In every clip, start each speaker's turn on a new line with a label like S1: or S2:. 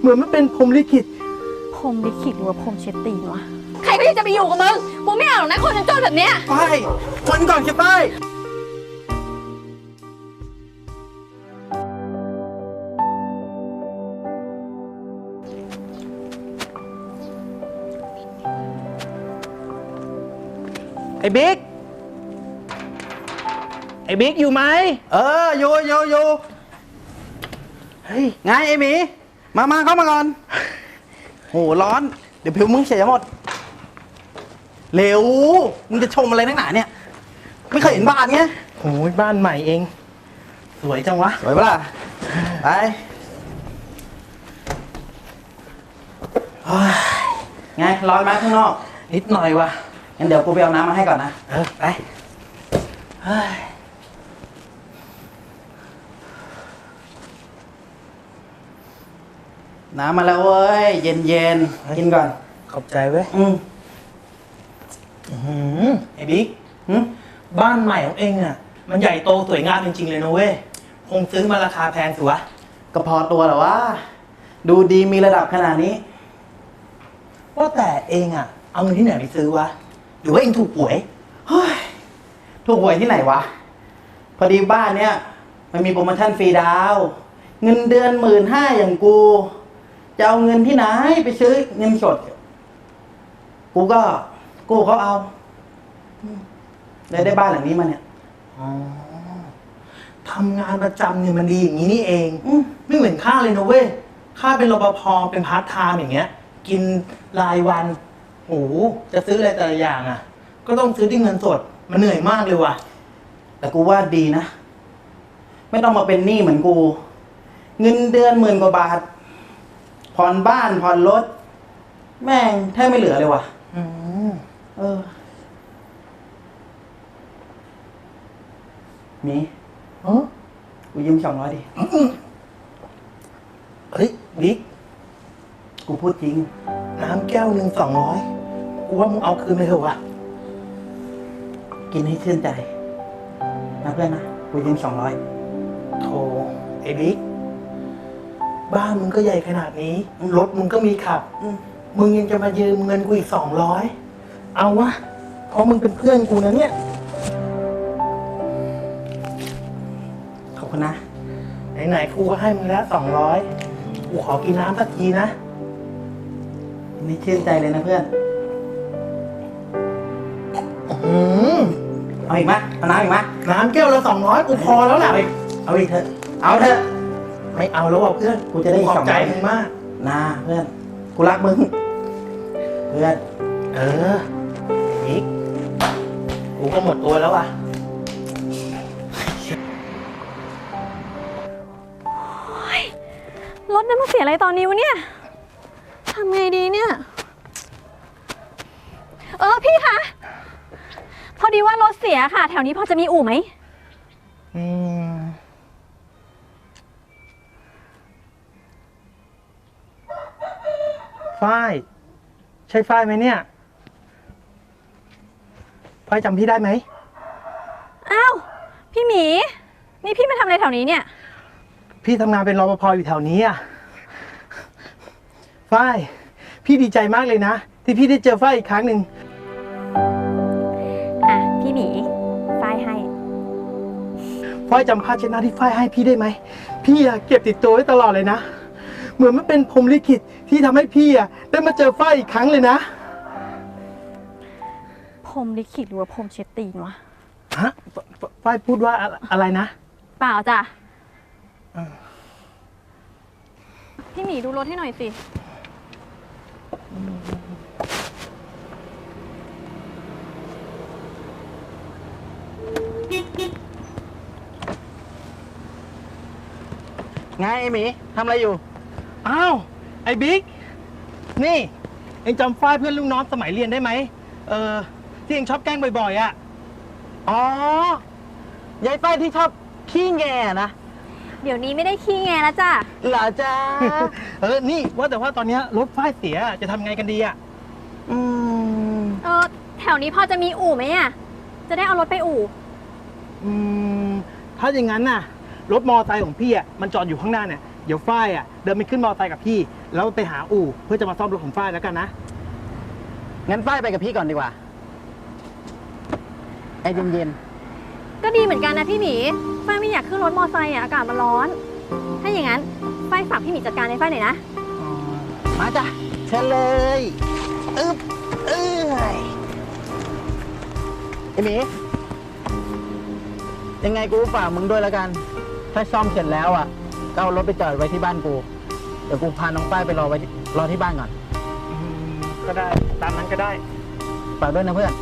S1: เหมือนมันเป็นพรหมลิขิต
S2: พรหมลิขิตหรือว่าพรหมเช็ดตีนวะใครก็จะไปอยู่กับมึงกูไม่เอาหรอกนะคนจนๆแบบเนี้ย
S1: ไปวันก่อนแค่ไปไอ้บิ๊กอยู่ไหมอยู่เฮ้ยไงไอ้หมีมาเข้ามาก่อนโหร้อนเดี๋ยวผิวมึงเสียหมดเร็วมึงจะชมอะไรนักหนาเนี่ยไม่เคยเห็นบ้านไงโอ้ยบ้านใหม่เองสวยจังวะสวยปะล่ะไปไงร้อนไหมข้างนอกนิดหน่อยวะงั้นเดี๋ยวกูไปเอาน้ำมาให้ก่อนนะไปน้ำมาแล้วเว้ยเย็นกินก่อนขอบใจเว้ยไอ้บิ๊กบ้านใหม่ของเองอ่ะมันใหญ่โตสวยงามจริงๆเลยนะเว้ยคงซื้อมาราคาแพงสิวะก็พอตัวเหรอวะดูดีมีระดับขนาดนี้ว่าแต่เองอ่ะเอาเงินที่ไหนไปซื้อวะหรือว่าเองถูกหวยเฮ้ยถูกหวยที่ไหนวะพอดีบ้านเนี้ยมันมีโปรโมชั่นฟรีดาวเงินเดือน15,000อย่างกูจะเอาเงินที่ไหนไปซื้อเงินสดกูก็กู้เขาเอาได้บ้านหลังนี้มาเนี่ยทำงานประจำเนี่ยมันดีอย่างนี้นี่เองไม่เหมือนข้าเลยนะเว้ยข้าเป็นรปภเป็นพาร์ทไทม์อย่างเงี้ยกินรายวันโอ้จะซื้ออะไรแต่ละอย่างอ่ะก็ต้องซื้อด้วยเงินสดมันเหนื่อยมากเลยว่ะแต่กูว่าดีนะไม่ต้องมาเป็นหนี้เหมือนกูเงินเดือน10,000 กว่าบาทผ่อนบ้านผ่อนรถแม่งแทบไม่เหลือเลยว่ะมีกูยืม200ดิเฮ้ยบิ๊กกูพูดจริงน้ำแก้วหนึ่ง200กูว่ามึงเอาคืนไปเถอะวะกินให้ชื่นใจนะเพื่อนนะกูยืม200โธ่ไอ้บิ๊กบ้านมึงก็ใหญ่ขนาดนี้รถมึงก็มีขับมึงยังจะมายืมเงินกูอีก200เอาวะเพราะมึงเป็นเพื่อนกูนะเนี่ยขอบคุณนะไหนๆกูก็ให้มึงแล้ว200กูขอกินน้ำสักทีนะนี่ชื่นใจเลยนะเพื่อนเอาอีกไหมเอาน้ำอีกไหมน้ำแก้วละ200กูพอแล้วแหละเอาอีกเถอะเอาเถอะไม่เอาแล้วเพื่อนกูจะได้ขอบใจมึงมากนะเพื่อนกูรักมึงเพื่อนบิ๊กกูก็หมดตัวแล้วว่ะ
S2: รถนั้นมาเสียอะไรตอนนี้วะเนี่ยทำไงดีเนี่ยพี่คะพอดีว่ารถเสียค่ะแถวนี้พอจะมีอู่ไหม
S1: ฝ้ายใช่ฝ้ายไหมเนี่ยฝ้ายจำพี่ได้ไหม
S2: อ้าวพี่หมีนี่พี่มาทำอะไรแถวนี้เนี่ย
S1: พี่ทำงานเป็นรปภอยู่แถวนี้อ่ะฝ้ายพี่ดีใจมากเลยนะที่พี่ได้เจอฝ้ายอีกครั้งหนึ่ง
S2: พี่หมีฝ้ายให้
S1: ฝ้ายจำผ้าเช็ดหน้าที่ฝ้ายให้พี่ได้ไหมพี่เก็บติดตัวไว้ตลอดเลยนะเหมือนมันเป็นพรหมลิขิตที่ทำให้พี่ได้มาเจอฝ้ายอีกครั้งเลยนะ
S2: พรหมลิขิตหรือว่าพรหมเช็ดตีนวะ
S1: ฮะฝ้ายพูดว่าอะไรนะ
S2: เปล่าจ้ะพี่หมีดูรถให้หน่อยสิ
S1: ไงไอ้หมีทำอะไรอยู่อ้าวไอ้บิ๊กนี่เอ็งจำฝ้ายเพื่อนลูกน้องสมัยเรียนได้ไหมที่เอ็งชอบแกล้งบ่อยๆอ่ะอ๋อยายฝ้ายที่ชอบขี้แงนะ
S2: เดี๋ยวนี้ไม่ได้ขี้แงแล้วจ้ะ
S1: เหรอจ้านี่ว่าแต่ว่าตอนนี้รถฝ้ายเสียจะทำไงกันดีอ่ะ
S2: แถวนี้พอจะมีอู่ไหมอ่ะจะได้เอารถไปอู่
S1: ถ้าอย่างนั้นน่ะรถมอเตอร์ไซค์ของพี่อ่ะมันจอดอยู่ข้างหน้าเนี่ย
S3: เดี๋ยวฝ้ายอ่ะเดินไปขึ้นมอเตอร์ไซค์กับพี่ แล้วไปหาอู่เพื่อจะมาซ่อมรถของฝ้ายแล้วกันนะ
S1: งั้นฝ้ายไปกับพี่ก่อนดีกว่าไอ้เย็น
S2: ก็ดีเหมือนกันนะพี่หมีฝ้ายไม่อยากขึ้นรถมอไซค์อ่ะอากาศมันร้อน ถ้าอย่างนั้นฝ้ายฝากพี่หมีจัดการในฝ้ายหน่อยนะ
S1: ๆมาจ้ะเชิญเลยอึ๊บเอ้ยไอ้หมียังไงกูฝากมึงด้วยแล้วกัน ถ้าซ่อมเสร็จแล้วอ่ะก็เอารถไปจอดไว้ที่บ้านกู เดี๋ยวกูพาน้องฝ้ายไปรอที่บ้านก่อน
S3: ก็ได้ตามนั้นก็ได้
S1: ฝากด้วยนะเพื่อน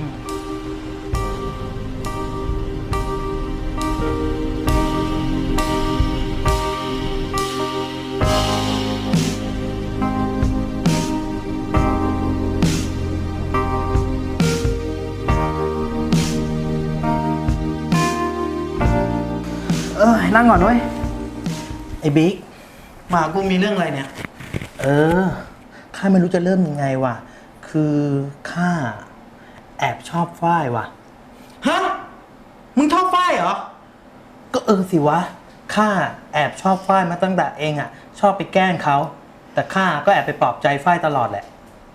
S1: นั่งก่อนด้วยไอ้บิ๊กมากูมีเรื่องอะไรเนี่ย ข้าไม่รู้จะเริ่มยังไงว่ะ คือข้าแอบชอบฝ้ายว่ะ ฮะ มึงชอบฝ้ายเหรอ ก็สิวะ ข้าแอบชอบฝ้ายมาตั้งแต่เองอ่ะ ชอบไปแกล้งเขา แต่ข้าก็แอบไปปลอบใจฝ้ายตลอดแหละ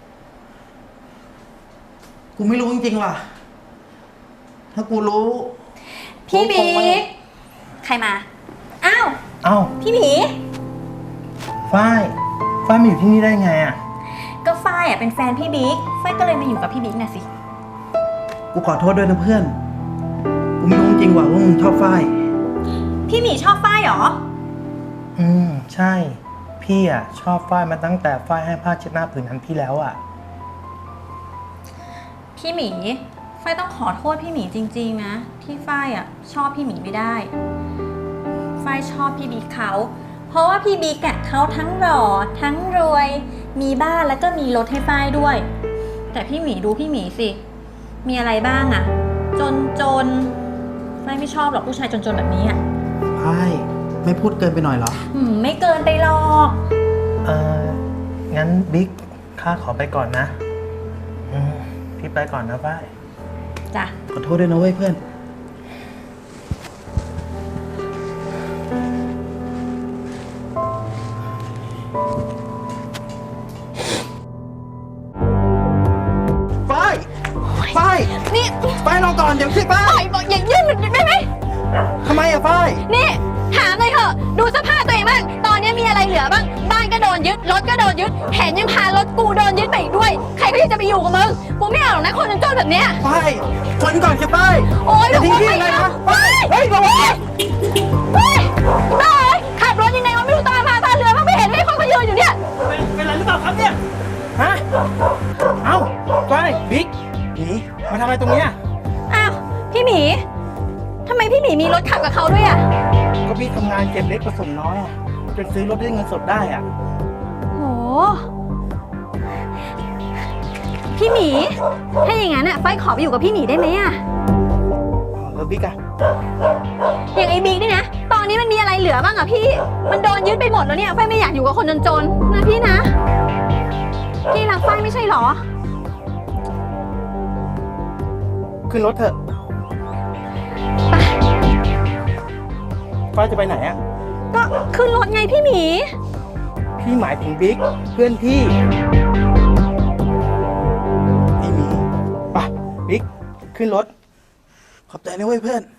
S1: กูไม่รู้จริงๆว่ะ ถ้ากูรู้
S2: พี่บิ๊กใครมา อ้าว
S1: เอ้า
S2: พี่หมี
S1: ฝ้ายมาอยู่ที่นี่ได้ไงอ่ะ
S2: ก็ฝ้ายอ่ะเป็นแฟนพี่บิ๊กฝ้ายก็เลยมาอยู่กับพี่บิ๊กน่ะสิ
S1: กูขอโทษด้วยนะเพื่อน กูไม่รู้จริงว่ะว่ามึงชอบฝ้าย
S2: พี่หมีชอบฝ้ายเหรอ
S1: ใช่ พี่อ่ะชอบฝ้ายมาตั้งแต่ฝ้ายให้ผ้าเช็ดหน้าผืนนั้นพี่แล้วอ่ะ
S2: พี่หมีฝ้ายต้องขอโทษพี่หมีจริงๆนะที่ฝ้ายอ่ะชอบพี่หมีไม่ได้ฝ้ายชอบพี่บิ๊กเขาเพราะว่าพี่บิ๊กอ่ะเขาทั้งหล่อทั้งรวยมีบ้านแล้วก็มีรถให้ฝ้ายด้วย แต่พี่หมีดูพี่หมีสิมีอะไรบ้างอ่ะจนฝ้ายไม่ชอบหรอกผู้ชายจนๆแบบนี้อ่ะ
S1: ฝ้ายไม่พูดเกินไปหน่อยเหรอ
S2: ไม่เกินไปหรอก
S1: งั้นบิ๊กข้าขอไปก่อนนะ พี่ไปก่อนนะฝ้าย
S2: จ้ะ
S1: ขอโทษด้วยนะเว้ยเพื่อน ฝ้าย
S2: นี่
S1: ฝ้ายรอก่อนเดี๋ยวสิฝ้า
S2: ปล่อย ยบอกอย่ายื่นได้ไหม
S1: ทำไมอะฝ้าย
S2: นี่ถามเลยเถอะดูสภาพตัวเองบ้างตอนนี้มีอะไรเหลือบ้างบ้านก็โดนยึดรถก็โดนยึดแถมยังพารถกูโดนยึดไปอีกด้วยใครก็ยังจะไปอยู่กับมึงกูไม่เอาหรอกนะคนจนๆแบบเนี้ย
S1: ฝ้ายทนก่อนสิฝ้าย
S2: โอ๊ย
S1: อย่าทิ้งพี่ยังไงนะ
S2: เฮ้ย
S1: เฮ้ยระวัง
S2: เฮ้ยบ้าเอ้ยขับรถยังไงวะไม่รู้ตามาตาเรือบ้างไม่เห็นเลยคนเขายืนอยู่เนี่ย
S3: เป็นไรหรือเปล่าครับเนี่ย ฮะ เอ้าฝ้ายบิ๊กหนีมาทำอะไรตรงเนี้ย
S2: อ้าวพี่หมีทำไมพี่หมีมีรถขับกับเขาด้วยอ่ะ
S3: ก็พี่ทำงานเก็บเล็กผสมน้อยอะจนซื้อรถด้วยเงินสดได้อ่ะ
S2: โหพี่หมีถ้าอย่างนั้นอ่ะไฟขอไปอยู่กับพี่หมีได้ไหมอ่ะ
S3: แล้วบิ๊กอะ
S2: อย่างไอ้บิ๊กนี่นะ ตอนนี้มันมีอะไรเหลือบ้างอะพี่ มันโดนยึดไปหมดแล้วเนี่ย ไฟไม่อยากอยู่กับคนจนๆนะพี่นะ พี่รักไฟไม่ใช่หรอ
S3: ขึ้นรถเถอะฝ้ายจะไปไหนอะ
S2: ก็ขึ้นรถไงพี่หมี
S3: พี่หมายถึงบิ๊กเพื่อนพี่ไอ้หมีไปบิ๊กขึ้นรถ
S1: ขอบใจนะเว้ยเพื่อน